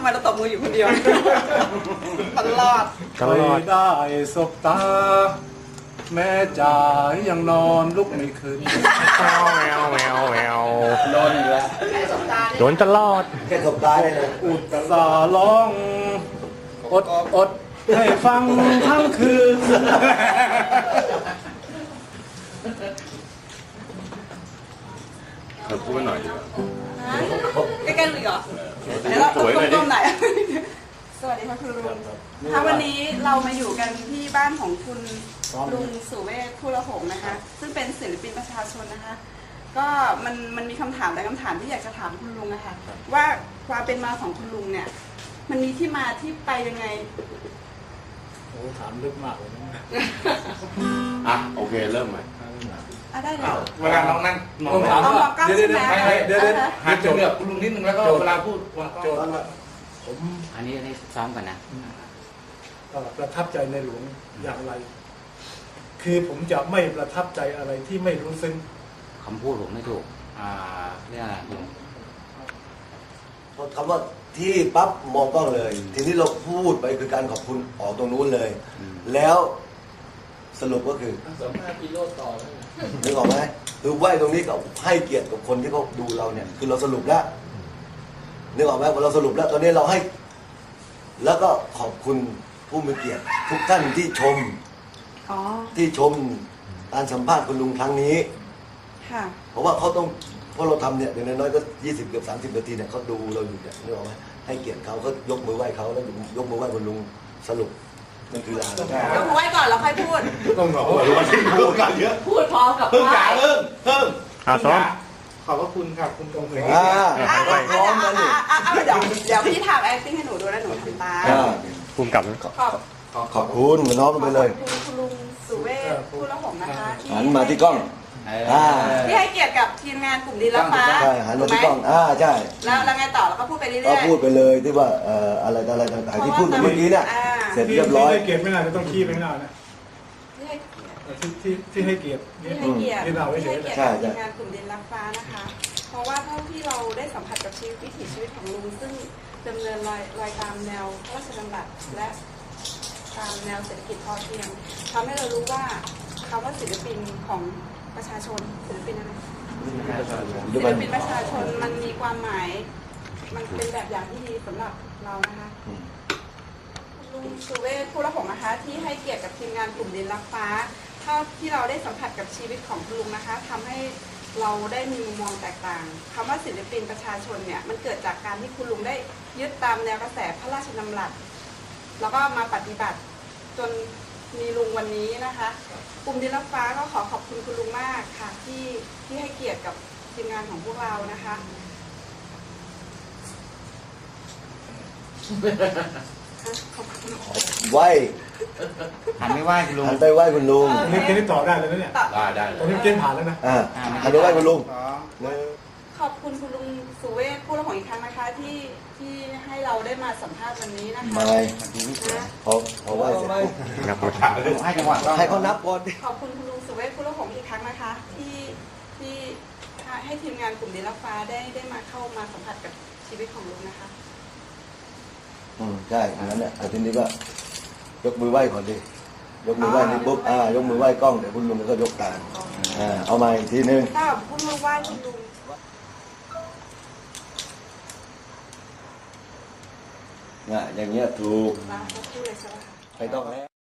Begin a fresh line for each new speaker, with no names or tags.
ไมเราตบมืออยู่คนเดียวตลอด
ได้สบตาแม่จ๋ายังนอนลุกไม่ขึ้น
โดนอีกแล้ว
โดนตลอด
แค่สบตาเลยนะ
อุตส่าห์ร้องอดให้ฟังทั้งคืน
เธอพูดหน่อยดีกว่า
ใกล้ๆดูอีกเหรอเดี๋ยวเราก้มๆหน่อยสวัสดีค่ะคุณลุงค่ะวันนี้เรามาอยู่กันที่บ้านของคุณลุงสุเวชผู้ละหงนะคะซึ่งเป็นศิลปินประชาชนนะคะก็มันมีคำถามหลายคำถามที่อยากจะถามคุณลุงนะคะว่าความเป็นมาของคุณลุงเนี่ยมันมีที่มาที่ไปยังไง
โอ้ถามลึกมากเลยนะ
อ่ะโอเคเริ่มใหม่
ได้เลย
เวลาน้องนั่งน้อง
ถามว่าเดี๋ยว
หันไปเลือกคุณลุงนิดนึงแล้วก็เวลาพูด
โจทย์ว่าผม
อันนี้ซ้อมกันนะ
ประทับใจในหลวงอย่างไร คือผมจะไม่ประทับใจอะไรที่ไม่รู้ซึ้ง
คำพูดผมไม่ถูกเรียกอะไรลุง
คำว่าที่ปั๊บมองกล้องเลย ทีนี้เราพูดไปคือการขอบคุณออกตรงนู้นเลย แล้วสรุปก็คือนึกออกไหมคือไหวตรงนี้กับให้เกียรติกับคนที่เขาดูเราเนี่ยคือเราสรุปแล้วนึกออกไหมพอเราสรุปแล้วตอนนี้เราให้ แล้วก็ขอบคุณผู้มีเกียรติทุกท่านที่ชมการสัมภาษณ์คุณลุงครั้งนี้เพราะว่าเขาต้องเพราะเราทำเนี่ยอย่างน้อยๆก็20เกือบ30นาทีเนี่ยเขาดูเราอยู่เนี่ยนึกออกไหมให้เกียรติเขาก็ยกมือไหว้เขาแล้วยกมือไหว้คุณลุงสรุปนั่นคือลาย
ยกมือไหว้ก่อนแล้วค่อยพูด
ต้องบอกว่า
พูดกันเยอะ
พูดพร้อมกับไหว้
เพิ่ม
ซ้อม
ขอบพระคุณครับคุณตรงเลย
พร้อมกันนี่
เดี๋ยวพี่ทำ acting ให้หนูดูแล้วหนูทำตาม
ภูมิกับ
ขอบคุณเหมือนน้องไปเลย
คุณลุงสุเวชผู้ละหงนะคะ
หันมาที่กล้อง
ที่ให้เกียรติกับทีมงานกลุ่มดินรับฟ้า
ใช่หันมาที่กล้องใช่
แล้วไงต่อแล้วก็พูดไปเรื่อยๆ
ก็พูดไปเลยที่ว่าอะไรต่างๆที่พูดเมื่อกี้เนี่ยเสร็จเรียบร้อย
ที่ให้เกียรติไม่นานจะต้องขี้ไปนานนะที่ให้เกียรติ
ที่เราเฉยๆทีมงานกลุ่มดินรับฟ้านะคะเพราะว่าเท่าที่เราได้สัมผัสกับวิถีชีวิตของลุงซึ่งดำเนินรอยตามแนวพระราชดำรัสและตามแนวเศรษฐกิจพอเพียงทำให้เรารู้ว่าคำว่าศิลปินของประชาชนศิลปินอะไรศิลปินประชาชนมันมีความหมายมันเป็นแบบอย่างที่ดีสำหรับเรานะคะลุงสุเวชผู้ละหงนะคะที่ให้เกียรติกับทีมงานกลุ่มดินรักฟ้าเท่าที่เราได้สัมผัสกับชีวิตของคุณลุงนะคะทำให้เราได้มีมุมมองแตกต่างคำว่าศิลปินประชาชนเนี่ยมันเกิดจากการที่คุณลุงได้ยึดตามแนวกระแสพระราชดำรัสแล้วก็มาปฏิบัติจนมีลุงวันนี้นะคะกลุ่มดินรักฟ้าก็ขอบคุณคุณลุงมากค่ะที่ให้เกียรติกับทีมงานของพวกเรานะคะ
ไหว
หันไม่ไหวคุณลุง
หันไปไหวคุณลุง
นี่ตอบได้เลยนะเนี่ย
ได้
ตอนนี้เกณฑ์ผ่านแล้วนะ
หันไปไหวคุณลุง
ขอบคุณคุณลุงสุเวชผู้ละหงอีกครั้งนะคะที่ให้เราได้มาสัมภาษณ์วันนี้นะคะ
มาพอไหวเสร็จ
นับให้จังหวะ
ให้เขานับก่อน
ขอบคุณคุณลุงสุเวชผู้ละหงอีกครั้งนะคะที่ให้ทีมงานกลุ่มดินรักฟ้าได้มาเข้ามาสัมผัสกับชีวิตของลุงนะคะ
ใช่งั้นแหละแต่ทีนี้ก็ยกมือไหว้ก่อนดิยกมือไหว้นี่ปุ๊บยกมือไหว้กล้องเดี๋ยวคุณลุงก็ยกตามเอามาอีกทีนึง
ถ้าคุณลุงไหว้คุณลุง
อย่างเงี้ยถูกไม่ต้องแล้ว